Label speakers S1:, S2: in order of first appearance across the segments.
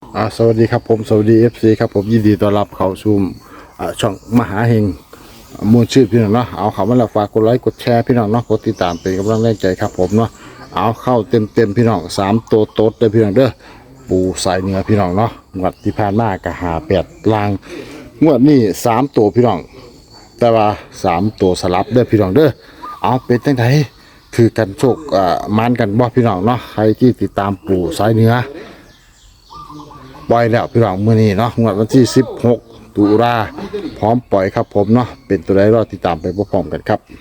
S1: สวัสดีครับผมสวัสดีFCครับผมยินดีต้อนรับเข้าสู่ช่องมหาเฮงมวลชื่อพี่น้องเนาะเอาเขามาแล้วฝากกดไลค์กดแชร์พี่น้องเนาะกดติดตามเป็นกำลังแรงใจครับผมเนาะเอาเข้าเต็มพี่น้อง3ตัวโต๊ดเลยพี่น้องเด้อปูสายเหนือพี่น้องเนาะงวดที่ผ่านมาก็หา8ลางงวดนี้3ตัวพี่น้องแต่ว่า3ตัวสลับเด้อพี่น้องเด้อเอาเป็นจังไดคือกันโชคมันกันบ่พี่น้องเนาะใครที่ติดตามปูสายเหนือปล่อยแล้วพี่น้องมื้อนี้เนาะงวดวันที่16ตุลาพร้อมปล่อยครับผมเนาะเป็นตัวใดรอติดตามไปพร้อมๆกันครับ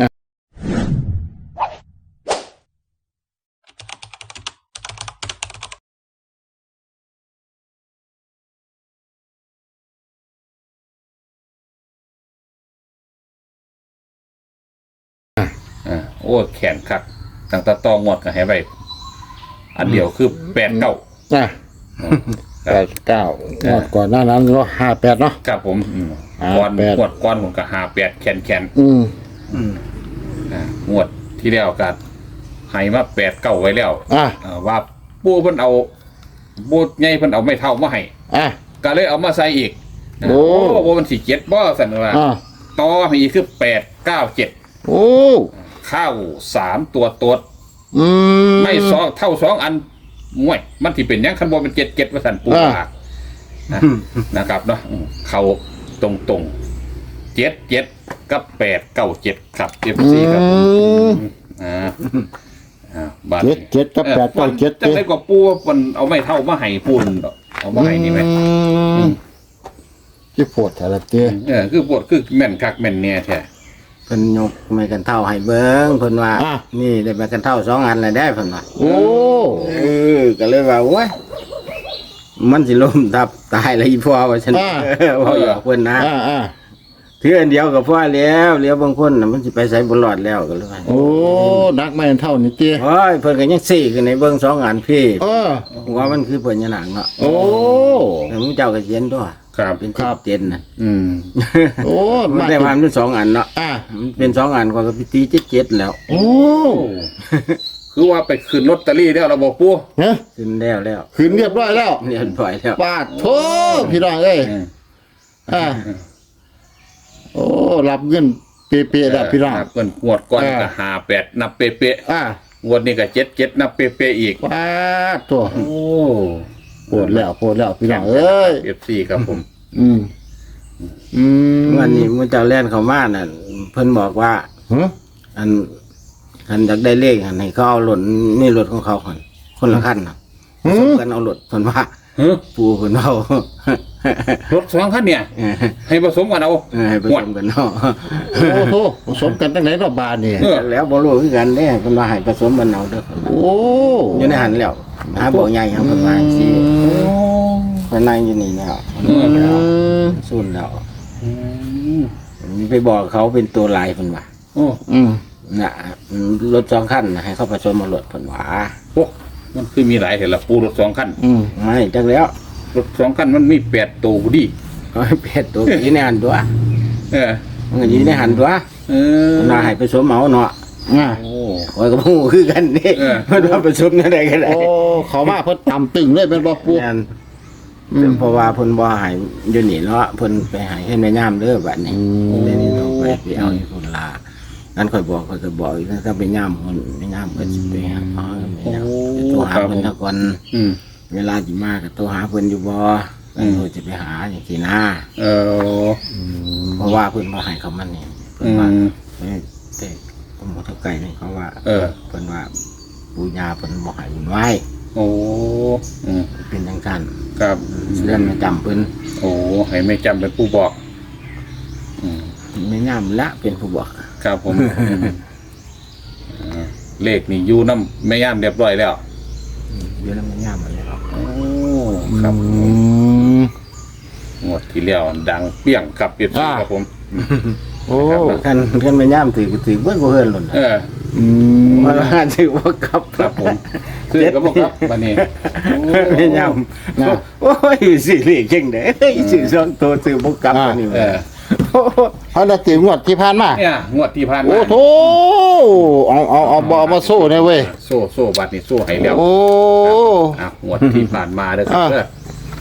S2: โอ้แขนคักตั้งแต่ตองวดกันให้ไปอันเดียวคือ89
S1: อ่ะ89งวดก่อนหน้านั้นก็58เนาะ
S2: ครับผมก่อนงวดก่อนผมก็58แขนงวดที่แล้วก็ให้มา89ไว้แล้วว่าปู่เพิ่นเอาปู่ใหญ่เพิ่นเอาไม้เท่ามาให้ก็เลยเอามาใส่อีกโอ้บ่มันสิ7บ่ซั่นว่าต่อให้อีกคือ897
S1: โอ้
S2: ข้าว3ตัวตดไม่เท่า2อันมวยมันที่เป็นยังคันบอลเป็น7ว่าสันปูปากนะครับเนาะเขาตรง7กับ897ครับFCครับบัตร
S1: 7กับ897
S2: จังได๋ก็ปูมันเอาไม่เท่ามาให้ปูนเอามาให้นี่มั้ย
S1: ที่ปวดแต่ละเตี้ย
S2: คือปวดคือแม่นคักแม่นเนี่ยแท้
S3: เพิ่นยกไม้กันเท่าให้เบิ่งเพิ่นว่านี่ได้ไม้กันเท่า2อันแล้วได้เพิ่นว่า
S1: โอ้
S3: ก็เลยว่าโอ้ยมันสิล้มทับตายแล้วอีพ่อว่าฉันว่าอยากเพิ่นนะถืออันเดียวก็พอแล้วบางคนน่ะมันสิไปไสบ่รอดแล้วก็เลยว่า
S1: โอ้นักไม้กันเท่านี่เตี้ย
S3: โอ้ยเพิ่นก็ยังซี้ขึ้นในเบิ่ง2อันพี่ว่ามันคือพญานาคเนาะ
S1: โอ้
S3: แล้วมึงเจ้าก็เขียนด้วย
S2: ครับ
S3: เป็นเต็นน่ะ
S1: โอ้
S3: มันได้มาเป็น2อันเนาะมันเป็น2อันก็ไปตี77แล้ว
S1: โอ้
S2: คือว่าไปขึ้นลอตเตอรี่แล้วเราบอกปู่
S3: ขึ้นแล้ว
S1: ขึ้นเรียบร้อยแล้ว
S3: เรียบร้อยแล้ว
S1: ปาดโธ่พี่น้องเอ้ยโอ้รับเงินเป๊ะๆแล้วพี่น้อง
S2: เงินงวดก่อนก็58นับเป๊ะงวดนี้ก็77นับเป๊ะๆอีก
S1: ปาดโธ่โอ้ปวดแล้วพี่น้องเอ้ย
S2: FC ครับผม
S3: วันนี้มื้อเจ้าแล่นเข้ามาน่ะเพิ่นบอกว่าอันอยากได้เลขให้เขาเอารถนี่รถของเขาคนละคันน่ะสมกันเอารถเพิ่นว่าปู่เพิ่นเอา
S2: รถ2คันเนี่ยให้ผสมกันเอา
S3: ให้ผสมกันเนาะ
S1: โอ้โหผสมกันตั้งไหนรอบบานนี่
S3: แล้วบ่รู้คือกันเด้เพิ่นว่าให้ผสมกันเอาเด้อ
S1: โอ้
S3: อยู่ในหันแล้วหาบ่ใหญ่ครับเพิ่นว่าสิเพิ่นนั่งอยู่นี่แล้วซุ่นแล้วมีไปบอกเขาเป็นตัวลายเพิ่นว่าน่ะรถ2คันให้เขาผสมมารถเพิ่นว่า
S2: โอ้มันคือมีหลายเห็นละปูรถ2คัน
S3: ไม่จักแล้ว
S2: รถ2คันมันมี8ตัวดิ
S3: 8ตัวอยู่ในหันตัวมันก็อยู่ในหันตัวน่าให้ผสมเอาเนาะโอ้ข่อยก็บ่ฮู้คือกันนี่เพิ่นว่าผสมจังได๋ก็ได้
S1: โอ้เขามาเพิ่นตำตึงเลยเป็นบ่ปู
S3: เพราะว่าเพิ่นบ่ให้อยู่นี่เนาะเพิ่นไปให้เฮ็ดแม่ย่ามเด้อบัดนี้เดี๋ยวนี้ต้องไปเอาอยู่พุ่นล่ะงั้นข่อยบอกอีกถ้าไปย่ามเพิ่นไม่ย่ามเพิ่นสิไปหาพ่อแม่ย่ามโทรหาเพิ่นซะก่อนเวลาสิมาก็โทรหาเพิ่นอยู่บ่จะไปหาจังซี่นะเพราะว่าเพิ่นบ่ให้เขามันนี่เพิ่นว่าแต่ผมบ่เท่าไกลนี่เขาว่าเพิ่นว่าปู่ย่าเพิ่นบ่ให้บุญไว้
S2: โอ้
S3: เป็นจังซั่น
S2: ครับ
S3: เรื่องจำเพิ่น
S2: โอ้ให้ไม่จำเป็นผู้บอก
S3: ไม่ย่ามละเป็นผู้บอก
S2: ครับผมเลขนี่อยู่น้ำไม่ย่ามเรียบร้อยแล้ว
S3: อยู่น้ำไม่ย่ามอะไรหรอก
S2: โอ้ครับงวดที่แล้วดังเปี้ยงครับเปียบครับผม
S3: โอ้กันไม่ย่ามถือเบิ้ลบ่เฮินหล่นมาละถือว่ากับ
S2: ครับผมซื้อกับบ่ครับวันนี้
S3: ไม่ย่ามโอ้ยสิเลขจังได๋สิ2ตัวซื้อบ่กับอันนี้
S1: เขาได้ตีงวดที่ผ่านมา
S2: เนี่ยงวดที่ผ่านมา
S1: โอ้โธ่เอาบ่มาโซ่เนี่ยเว้ย
S2: โซ่บัดนี่โซ่ให้แล้ว
S1: โอ้
S2: งวดที่ผ่านมาเด้อครับ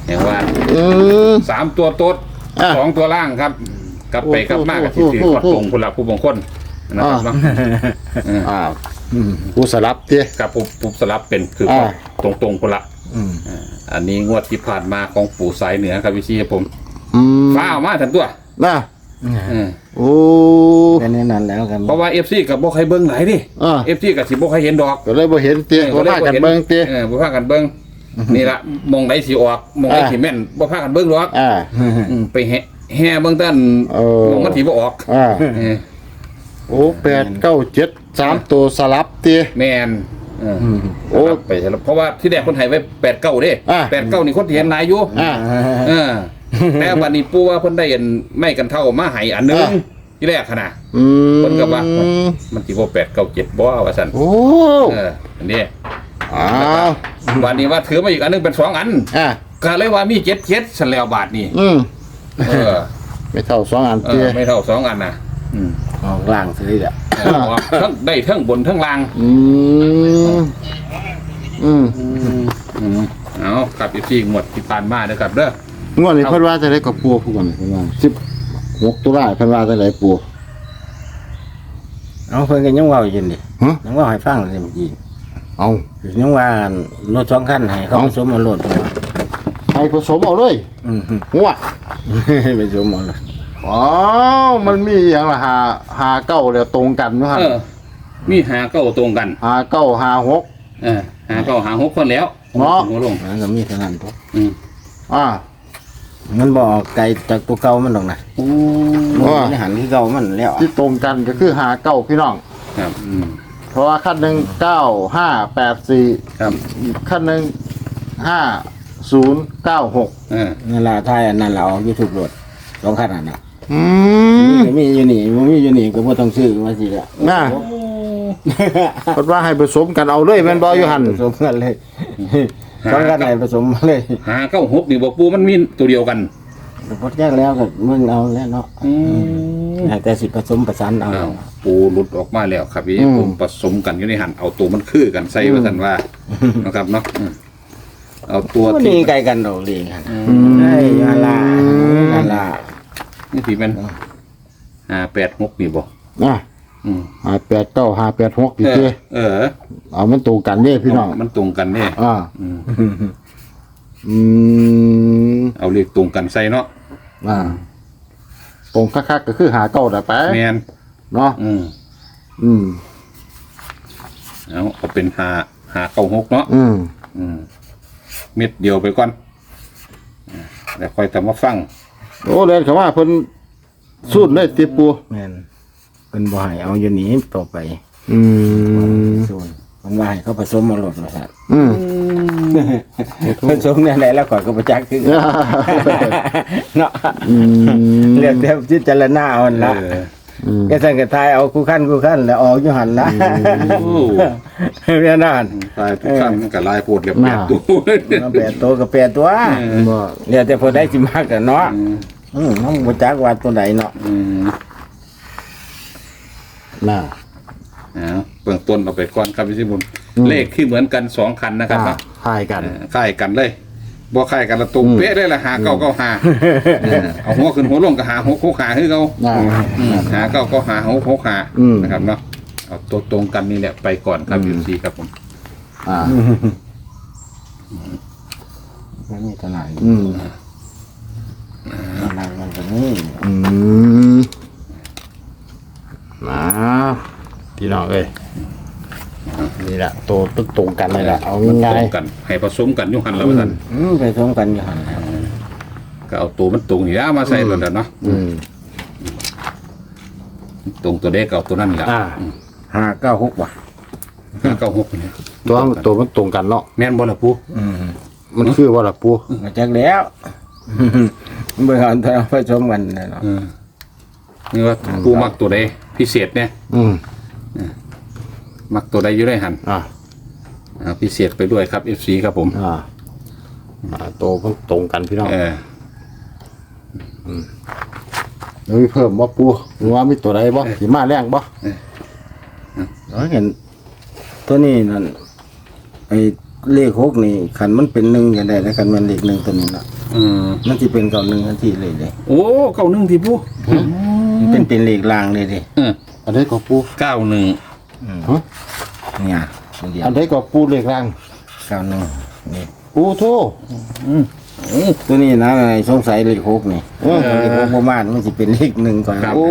S2: อย่างว่า
S1: อืม
S2: 3 ตัวโต๊ด
S1: อ่ะ
S2: 2 ตัวล่างครับกลับไปกลับมากับที่ถือขอดตรงคนละผู้บางคนนะครับเนาะ
S1: อ่าผู้สลับเตี้ย
S2: กับผู้สลับเป็นคือขอดตรงคนละอันนี้งวดที่ผ่านมาของปู่สายเหนือครับพี่ชีผม
S1: อืม
S2: ฟ้าเอามาทันตัว
S1: น่ะ
S2: เออ
S1: โอ้
S3: แค่นี้นั่นแล้วกัน
S2: เพราะว่า FC กับบ่ใครเบิ่งหลายดิ FC กับสิบ่ใครเห็นดอก
S1: ก็เลยบ่เห็นเตี้ยบ่พากันเบิ่งเตี้ย
S2: บ่พากันเบิ่งนี่ละมองไหนสิออกมองไหนสิแม่นบ่พากันเบิ่งหรอก
S1: อ่า
S2: ไปแห่เบิ่งต้น มองมันสิบ่ออก
S1: อ่า
S2: เออ
S1: โอ้8 9 7 3ตัวสลับเตี้ย
S2: แม่นเออ
S1: โอ้
S2: ไปแล้วเพราะว่าที่แรกคนไทยไว้8 9เด้
S1: อ่า
S2: 8 9นี่คนที่เห็นหลายอยู่
S1: อ่า
S2: เออแต่วันนี้ปู่ว่าเพิ่นได้อันไม่กันเท่ามาให้อันหนึง
S1: อ่า
S2: ที่แรกหั่นน่ะ
S1: อืม
S2: เพิ่นก็ว่ามันสิบ่8 9 7บ่ว่าซั่น
S1: โอ้
S2: เอออันนี้
S1: อ้าว
S2: วันนี้ว่าถือมาอีกอันหนึงเป็น2 อัน
S1: อ่ะ
S2: ก็เลยว่ามี7 ซั่นแล้วบาทนี่ เออ
S1: ไม่เท่า2อัน
S2: เอ
S1: เตี้ย
S2: อไม่เท่า2 อันน่ะ
S3: ออกล่างซื้ออ่ะ
S2: เออออกทั้งได้ทั้งบนทั้งล่าง
S1: อืมอืม
S2: เอากลับอีกที่หมดที่ผ่านมาเด้อครับเด้อ
S1: งวดนี้เพิ่นว่าจะได้กับปูผู้ก่อนเพิ่นว่า16ตุลาเพิ่นว่าจะได้ปู
S3: เอาเพิ่นก็ยังเว้าอยู่นี่
S1: ฮะ
S3: ยังเว้าให้ฟังเลยเมื่อกี้
S1: เอา
S3: ยังว่ารถ2คันให้เขาสมมาโลด
S1: ให้ผสมเอาเลย หัว
S3: ไปสมมาโลด
S1: อ๋อมันมีอย่างละหาเก้าแล้วตรงกันเนาะ
S2: เออ มีหาเก้าตรงกัน
S1: หาเก้าหาหก
S2: เออหาเก้าหา6คนแล้ว
S1: เนาะ
S2: หัวลง
S3: มันก็มีเท่านั้นพอ
S2: อืม
S1: อ่า
S3: มันบ่ออกไกลจากตัวเก่ามันดอกนะ
S2: โอ้
S3: มันหันที่เก่ามันแล้ว
S1: ที่ตรงกันก็คือหาเก้าพี่น้อง
S2: ครับ
S1: เพราะว่าขั้นหนึ่ง9584
S2: ครับ
S1: ขั้นหนึ่ง5096
S2: เออ
S3: นั่นล่ะท้ายอันนั้นล่ะออก YouTube โลด2คันอันน่ะ
S1: อืม
S3: มีอยู่นี่บ่มีอยู่นี่ก็บ่ต้องซื้อว่าสิละ
S1: น่ะเพิ่นว่าให้ผสมกันเอาเลยแม่นบ่อยู่หั่น
S3: ผสมกันเลย2คันไหนผสมมาเลย
S2: หาเก้า6นี่บอกปูมันมีตัวเดียวกัน
S3: พอแยกแล้วก็มึงเอาแล้วเนาะแต่สิผสมประสานเอา
S2: อ้าวปูหลุดออกมาแล้วครับพี่ผมผสมกันอยู่ในหันเอาตัวมันคือกันใส่ว่าซั่นว่านะครับเนาะเอาตัว
S3: มัน
S2: ที่
S3: นี่ไกลกันดอกเลยครับไอ้ยาลานั่นล่ะ
S2: นี่ที่มัน586นี่บ่
S1: น่ะ
S2: อืม
S1: 589 586อีก
S2: เอ
S1: เด้
S2: อเออ
S1: เอามันตรงกันเด้พี่น้อง
S2: มันตรงกันเนี่ย
S1: อ่าอืม
S2: เอาเลขตรงกันใส่เนาะ
S1: อ่าตรงคักๆก็คือหาเก้าแต่ไป
S2: แมน
S1: เนาะอืม
S2: เอาเป็นหาเก้าหกเนาะ
S1: อืม
S2: เม็ดเดียวไปก่อนแล้วค่อยทำมาฟัง
S1: โอ้เดินเขาว่าเพิ่นสูดเลยติปู
S3: แม่นเป็นบ่ให้เอาอยู่นี่ต่อไป
S1: อืม
S3: ส่วนมันว่าให้เขาผสมมาโลดว่าซั่น
S1: อืม
S3: ผสมแน่ๆแล้วก่อนก็บ่จักคือเนาะ
S1: อืม
S3: เรียกแต่พิจารณาเอาหั่นล่ะ ก็สั่งกระทายเอาคู่ขั้นแล้วออกอยู่หันละเรียนนั่น
S2: ลายทุกขั้นมันกับลายโพดเรียบแบบตัว
S3: มา8ตัวกับ8ตัว
S1: บ่
S3: เดี๋ยวแต่พอได้สิมากกันเนาะน้องบ่จักว่าตัวไหนเนาะ
S1: น่ะ
S2: เบื้องต้นเอาไปก่อนครับพี่สิบุญเลขคือเหมือนกัน2คันนะครับ
S1: คล้ายกัน
S2: ค่ายกันเลยบ่ค่ายกันละตรงเป๊ะเลยละหาเก้าเก้าหาเอาหัวขึ้นหัวลงก็หาหกหกหาคือเขา
S1: น่ะ
S2: หาเก้าก็หาหกหกหานะครับเนาะเอาตัวตรงกันนี่แหละไปก่อนครับอยู่ซีครับผม
S1: อ่า
S3: มันมีตัวไหน
S1: อืม
S3: มันก็นี่
S1: อืมมาพี่น้องเอ้ยนี่แหละตัวตึกตรงกันเลยแหละเอาง่า
S2: ตร
S1: ย
S2: งกันให้ผสมกันอยู่หันแล้วท่าน
S3: ไปสมกันอยู่หัน
S2: ก็เอาตัวมันตรงนี่แล้วมาใส่แล้วเนาะ
S1: ๆอืม
S2: ตรงตัวเด็กเอาตัวนั้นแหละ
S3: 596ว่ะ
S2: เก้าหกเนี่ย
S1: ตัวมันตรงกันเนาะ
S2: แม่นบ่ล่ะปู
S1: มันคือว่าล่ะปู
S3: มาจักแล้วเบิ่งเอาแต่ผสมกันเนาะ
S2: นี่ว่าปูมักตัวใดพิเศษเนี่ย
S1: อืม
S2: มักตัวใดอยู่ได้หัน
S1: อ่า
S2: พิเศษไปด้วยครับ FC ครับผม
S1: ตัวมันตรงกันพี่น้อง แล้วมีเพิ่มบ่ปูหรือว่ามีตัวใดบ่สิมาแรงบ่
S3: เราเห็นตัวนี้นั่นไอ้เลข6นี่คันมันเป็น1ก็ได้แล้วคันมันเลข1ตัวนี้เนาะ
S2: อืม
S3: มันสิเป็น91ทันทีเลยเด้
S2: โอ้เก้าหนึ่งที่ปู
S3: มันเป็นเลขล่างเลยเด้
S1: อันใดก็ปู
S2: เก้าหนึ่ง
S1: ฮะ
S3: เนี่ยเดียว
S1: อันใดก็ปูเลขล่าง
S3: 91นี่
S1: ปูโท
S3: ตัวนี้นะไอ้สงสัยเลข6นี่เลข6บ่มามันสิเป็นเลข1ก่อน
S1: โอ้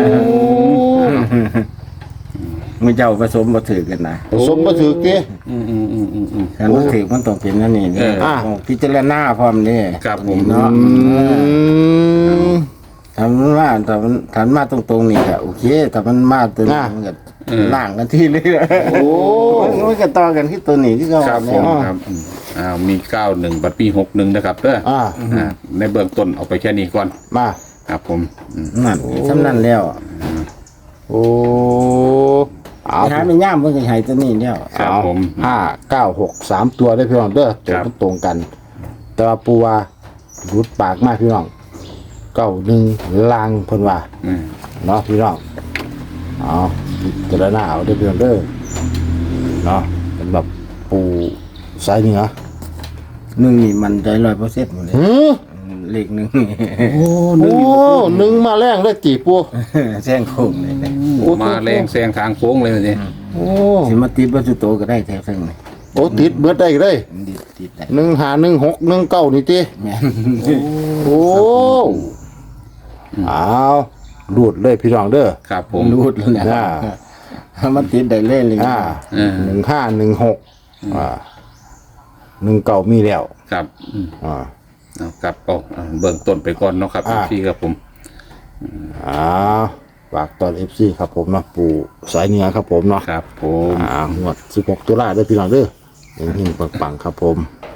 S3: มื้อเจ้าผสมบ่ถือกันนะ
S1: ผสมมาถือเก้
S3: คันบ่ถือมันต้องเป็นนั่นนี่นี่ ต้องพิจารณาพร้อมนี่
S2: ครับผม
S3: เนาะทำว่าถ้ามันมาตรงๆนี่ก็โอเคถ้ามันมาตัวนี้มันก็ล่างกันที่เลย
S1: โอ้
S3: มันก็ต่อกันที่ตัวนี้ที่เขา
S2: ครับผมครับมีเก้าหนึ่งบัดปี61นะครับเด้อในเบื้องต้นเอาไปแค่นี้ก่อน
S1: มา
S2: ครับผม
S3: นั่นสำนั่นแล้ว
S1: โอ้เอา
S3: หาไม่ย่ามเพิ่นก็ให้ตัวนี้แล้ว
S2: ครับผม
S1: 5 9 6 3 ตัวได้พี่น้องเด้อตัวมันตรงกัน แต่ว่าปูว่ารุดปากมากพี่น้อง91ลางเพิ่นว่า เนาะพี่น้องเอาพิจารณาเอาเด้อพี่น้องเด้อเนาะเป็นแบบปูสายเหนือ
S3: หนึ่งนี่มันใจ100%หมดเลย
S1: หือ
S3: เลขหนึ่ง
S1: โอ้หนึ่งมาแรงได้กี่ปู
S3: แซงโค้งเลย
S2: มาแรงแซงทางโค้งเลยนี่
S1: โอ้
S3: สิมาติดวัตถุโตก็ได้แถวเพิ่งนี่
S1: โอ้ติดเบิดได้เลย
S3: มันติดได้
S1: 151619นี่ติ
S3: แม่น
S1: โอ้เอารูดเลยพี่น้องเด้อ
S2: ครับผม
S3: รูดแล้วนะมันติดได้เลยเลย
S1: 151619มีแล้ว
S2: ครับ
S1: อ่า
S2: เอาครับเอาเบื้องต้นไปก่อนเนาะครับพี่ครับผม
S1: ฝากตอน FC ครับผมเนาะปู่สายเหนือครับผมเนาะ
S2: ครับผม
S1: งวด16ตุลาเด้อพี่น้องเด้อเฮงๆปังๆครับผม